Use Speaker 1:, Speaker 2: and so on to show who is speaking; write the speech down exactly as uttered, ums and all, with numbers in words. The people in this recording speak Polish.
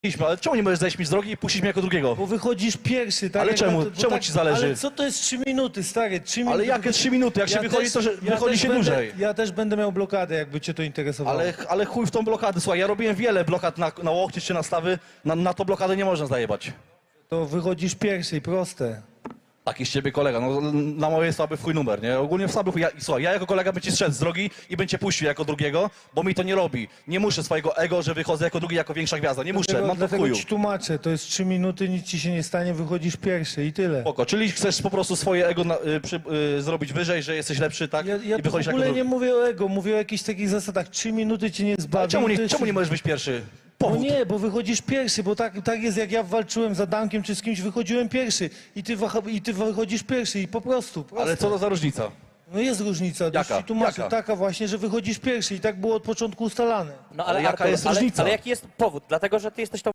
Speaker 1: Ale czemu nie możesz zejść mi z drogi i puścić mnie jako drugiego?
Speaker 2: Bo wychodzisz pierwszy, tak?
Speaker 1: Ale
Speaker 2: jak
Speaker 1: czemu?
Speaker 2: na to- bo
Speaker 1: Czemu
Speaker 2: tak,
Speaker 1: ci zależy?
Speaker 2: Ale co to jest trzy minuty, stary? trzy minuty.
Speaker 1: Ale jakie trzy minuty? Jak się wychodzi, to że wychodzi
Speaker 2: też
Speaker 1: się
Speaker 2: będę,
Speaker 1: dłużej.
Speaker 2: Ja też będę miał blokadę, jakby cię to interesowało.
Speaker 1: Ale, ale chuj w tą blokadę. Słuchaj, ja robiłem wiele blokad na, na łokcie czy na stawy. Na, na to blokadę nie można zajebać.
Speaker 2: To wychodzisz pierwszy, proste.
Speaker 1: Taki z ciebie kolega, no na moje słaby w chuj numer, nie? Ogólnie w słaby chuj. Ja, słuchaj, ja jako kolega bym ci strzec z drogi i bym cię puścił jako drugiego, bo mi to nie robi. Nie muszę swojego ego, że wychodzę jako drugi, jako większa gwiazda. Nie muszę,
Speaker 2: Dlatego,
Speaker 1: mam to w
Speaker 2: dlatego
Speaker 1: chuju.
Speaker 2: ci tłumaczę, to jest trzy minuty, nic ci się nie stanie, wychodzisz pierwszy i tyle.
Speaker 1: Spoko, czyli chcesz po prostu swoje ego na, y, przy, y, zrobić wyżej, że jesteś lepszy, tak?
Speaker 2: Ja, ja
Speaker 1: I
Speaker 2: tu w
Speaker 1: wychodzisz jako
Speaker 2: ogóle
Speaker 1: drugi.
Speaker 2: nie mówię o ego, mówię o jakichś takich zasadach. Trzy minuty cię nie zbawi.
Speaker 1: Ale czemu
Speaker 2: to
Speaker 1: nie,
Speaker 2: jest-
Speaker 1: czemu nie możesz być pierwszy?
Speaker 2: No
Speaker 1: Powód.
Speaker 2: nie, bo wychodzisz pierwszy, bo tak, tak jest jak ja walczyłem z Adamkiem czy z kimś, wychodziłem pierwszy i ty, waha- i ty wychodzisz pierwszy i po prostu. Proste.
Speaker 1: Ale co to za różnica?
Speaker 2: No jest różnica,
Speaker 1: Jaka?
Speaker 2: już ci tłumaczę,
Speaker 1: Jaka?
Speaker 2: taka właśnie, że wychodzisz pierwszy i tak było od początku ustalane.
Speaker 3: No
Speaker 1: Ale jaka
Speaker 3: Artur,
Speaker 1: jest
Speaker 3: ale,
Speaker 1: różnica?
Speaker 3: ale jaki jest powód? Dlatego, że ty jesteś tą